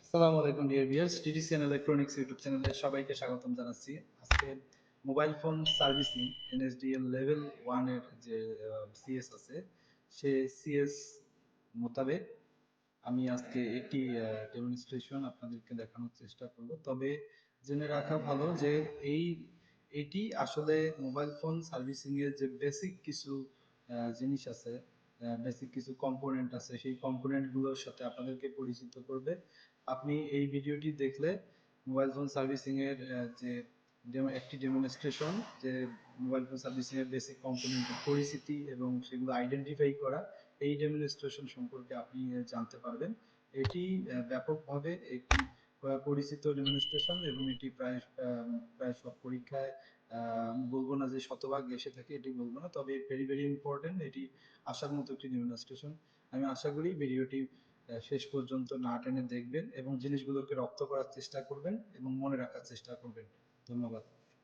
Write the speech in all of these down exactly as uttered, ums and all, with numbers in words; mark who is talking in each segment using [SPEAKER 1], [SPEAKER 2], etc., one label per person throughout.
[SPEAKER 1] আসসালামু আলাইকুম dear viewers, TTCN electronics YouTube চ্যানেলে সবাইকে স্বাগতম জানাচ্ছি। আজকে mobile phone servicing NSDL level one এর যে সিএস আছে, সে সিএস মোতাবেক আমি আজকে একটি ডেমনস্ট্রেশন আপনাদেরকে দেখানোর চেষ্টা করব। তবে জেনে রাখা ভালো যে এই এটি আসলে মোবাইল ফোন সার্ভিসিং এর যে বেসিক কিছু আহ, জিনিস আছে, বেসিক কিছু কম্পোনেন্ট আছে, সেই কম্পোনেন্ট গুলোর সাথে আপনাদেরকে পরিচিত করবে। আপনি এই ভিডিওটি দেখলে মোবাইল ফোন সার্ভিসিং এর আহ, যে ডেমো একটি ডেমনস্ট্রেশন, যে মোবাইল ফোন সার্ভিসিং এর বেসিক কম্পোনেন্টের পরিচিতি এবং সেগুলো আইডেন্টিফাই করা, এই ডেমনস্ট্রেশন সম্পর্কে আপনি আহ, জানতে পারবেন। এটি আহ, ব্যাপকভাবে একটি আহ, পরিচিত ডেমনস্ট্রেশন এবং এটি প্রায় আহ, প্রায় সব পরীক্ষায় আহ, বলবো না যে শতভাগ এসে থাকে, এটি বলবো না, তবে ভেরি ভেরি ইম্পর্টেন্ট, এটি আসার মতো একটি ডেমনস্ট্রেশন। আমি আশা করি ভিডিওটি আহ, শেষ পর্যন্ত না টেনে দেখবেন এবং জিনিসগুলোকে রপ্ত করার চেষ্টা করবেন এবং মনে রাখার চেষ্টা করবেন। ধন্যবাদ।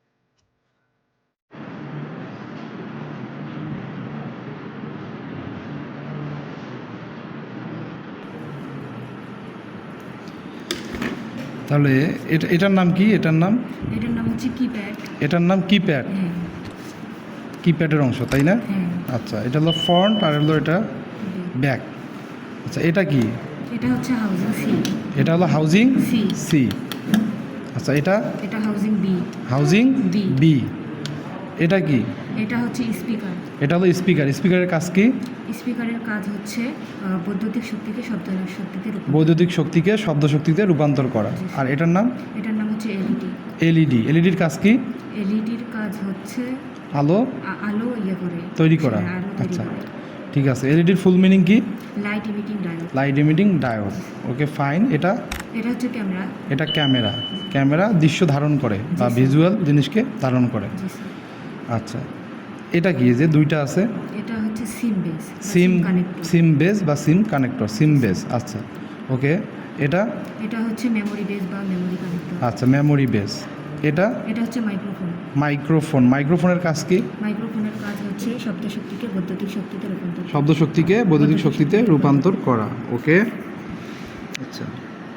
[SPEAKER 2] তাহলে এটা এটার নাম কি? এটার নাম
[SPEAKER 3] এটার নাম হচ্ছে কিপ্যাড।
[SPEAKER 2] এটার নাম কিপ্যাড।
[SPEAKER 3] হ্যাঁ
[SPEAKER 2] কিপ্যাডের অংশ, তাই না?
[SPEAKER 3] হ্যাঁ।
[SPEAKER 2] আচ্ছা, এটা হলো ফ্রন্ট আর হলো এটা ব্যাক। আচ্ছা, এটা কি?
[SPEAKER 3] এটা হচ্ছে হাউজিং সি।
[SPEAKER 2] এটা হলো হাউজিং
[SPEAKER 3] সি।
[SPEAKER 2] সি। আচ্ছা, এটা
[SPEAKER 3] এটা housing B.
[SPEAKER 2] Housing
[SPEAKER 3] B.
[SPEAKER 2] B. এটা কি?
[SPEAKER 3] এটা হচ্ছে স্পিকার।
[SPEAKER 2] এটা হলো স্পিকার। স্পিকারের কাজ কি?
[SPEAKER 3] স্পিকারের কাজ হচ্ছে আহ, বৈদ্যুতিক শক্তিকে শব্দ শক্তিতে রূপান্তর।
[SPEAKER 2] বৈদ্যুতিক শক্তিকে শব্দ শক্তিতে রূপান্তর করা।
[SPEAKER 3] জি,
[SPEAKER 2] আর এটার নাম?
[SPEAKER 3] এটার নাম হচ্ছে এলইডি।
[SPEAKER 2] এলইডি। এলইডির কাজ কি?
[SPEAKER 3] এলইডির কাজ হচ্ছে
[SPEAKER 2] আলো
[SPEAKER 3] আ- আলো ইয়ে করে
[SPEAKER 2] তৈরি করা।
[SPEAKER 3] হ্যাঁ, আলো তৈরি
[SPEAKER 2] আচ্ছা,
[SPEAKER 3] করে।
[SPEAKER 2] ঠিক আছে। এলইডির ফুল মিনিং কি?
[SPEAKER 3] Light emitting diode.
[SPEAKER 2] Light emitting diode. Okay, fine. এটা
[SPEAKER 3] এটা হচ্ছে ক্যামেরা।
[SPEAKER 2] এটা ক্যামেরা। ক্যামেরা দৃশ্য ধারণ করে বা
[SPEAKER 3] জি, স্যার।
[SPEAKER 2] ভিজুয়াল জিনিসকে ধারণ করে।
[SPEAKER 3] জি স্যার।
[SPEAKER 2] আচ্ছা, এটা কি যে দুইটা আছে?
[SPEAKER 3] এটা হচ্ছে SIM base.
[SPEAKER 2] SIM
[SPEAKER 3] connector.
[SPEAKER 2] SIM base বা সিম কানেক্টর। SIM base. আচ্ছা, ওকে। এটা
[SPEAKER 3] এটা হচ্ছে মেমোরি বেস বা মেমোরি কানেক্টর।
[SPEAKER 2] আচ্ছা, মেমোরি বেস। এটা
[SPEAKER 3] এটা হচ্ছে মাইক্রোফোন।
[SPEAKER 2] মাইক্রোফোন। মাইক্রোফোনের কাজ কি?
[SPEAKER 3] মাইক্রোফোনের কাজ হচ্ছে শব্দ শক্তিকে বৈদ্যুতিক শক্তিতে রূপান্তর করা।
[SPEAKER 2] শব্দ শক্তিকে বৈদ্যুতিক শক্তিতে রূপান্তর করা। ওকে, আচ্ছা।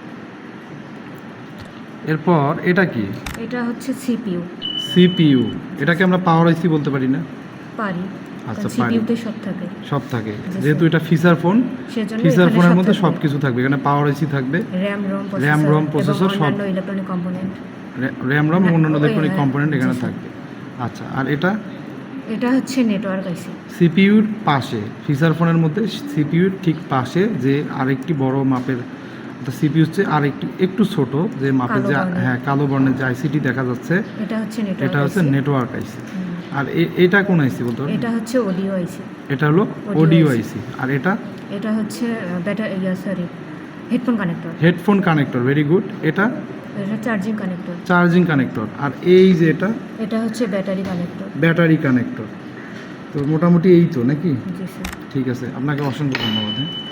[SPEAKER 2] এরপর এটা কি?
[SPEAKER 3] এটা হচ্ছে সিপিইউ।
[SPEAKER 2] সিপিইউ। এটাকে আমরা পাওয়ার আইসি বলতে পারি না?
[SPEAKER 3] পারি।
[SPEAKER 2] আচ্ছা, পারি।
[SPEAKER 3] সিপিইউতে সব থাকে।
[SPEAKER 2] সব থাকে,
[SPEAKER 3] জি,
[SPEAKER 2] যেহেতু
[SPEAKER 3] স্যার।
[SPEAKER 2] এটা ফিচার ফোন।
[SPEAKER 3] সেজন্য
[SPEAKER 2] ফিচার
[SPEAKER 3] এখানে
[SPEAKER 2] ফোনের
[SPEAKER 3] সব
[SPEAKER 2] মধ্যে
[SPEAKER 3] থাকবে।
[SPEAKER 2] সব কিছু থাকবে। এখানে পাওয়ার আইসি থাকবে,
[SPEAKER 3] RAM ROM
[SPEAKER 2] RAM, ROM,
[SPEAKER 3] processor
[SPEAKER 2] processor সব।
[SPEAKER 3] অন্যান্য ইলেকট্রনিক কম্পোনেন্ট।
[SPEAKER 2] র্যাম রম
[SPEAKER 3] হ্যাঁ,
[SPEAKER 2] অন্যান্য
[SPEAKER 3] ওই,
[SPEAKER 2] ইলেকট্রনিক
[SPEAKER 3] হ্যাঁ,
[SPEAKER 2] কম্পোনেন্ট এখানে
[SPEAKER 3] জি, স্যার।
[SPEAKER 2] থাকবে। আচ্ছা, আর এটা
[SPEAKER 3] এটা হচ্ছে নেটওয়ার্ক আইসি।
[SPEAKER 2] সিপিইউর পাশে, ফিচার ফোনের মধ্যে সিপিইউর ঠিক পাশে যে আরেকটি বড় মাপের, সিপিইউ হচ্ছে আরেকটি একটু ছোট যে মাপের
[SPEAKER 3] কালো
[SPEAKER 2] যে,
[SPEAKER 3] বর্ণের।
[SPEAKER 2] হ্যাঁ, কালো বর্ণের যে আইসিটি দেখা যাচ্ছে,
[SPEAKER 3] এটা হচ্ছে নেটওয়ার্ক
[SPEAKER 2] এটা হচ্ছে
[SPEAKER 3] আইসি।
[SPEAKER 2] নেটওয়ার্ক আইসি। আর এ- এটা কোন আইসি বলতে পারবেন?
[SPEAKER 3] এটা হচ্ছে অডিও আইসি।
[SPEAKER 2] এটা হলো
[SPEAKER 3] Audio
[SPEAKER 2] অডিও
[SPEAKER 3] আইসি।
[SPEAKER 2] আইসি। আর এটা
[SPEAKER 3] এটা হচ্ছে battery yeah sorry headphone connector.
[SPEAKER 2] Headphone connector. Very good. এটা
[SPEAKER 3] এটা চার্জিং কানেক্টর।
[SPEAKER 2] Charging connector. আর এই যে এটা
[SPEAKER 3] এটা হচ্ছে ব্যাটারি কানেক্টর।
[SPEAKER 2] Battery connector. তো মোটামুটি এই তো নাকি?
[SPEAKER 3] জি স্যার।
[SPEAKER 2] ঠিক আছে, আপনাকে অসংখ্য ধন্যবাদ। হ্যাঁ।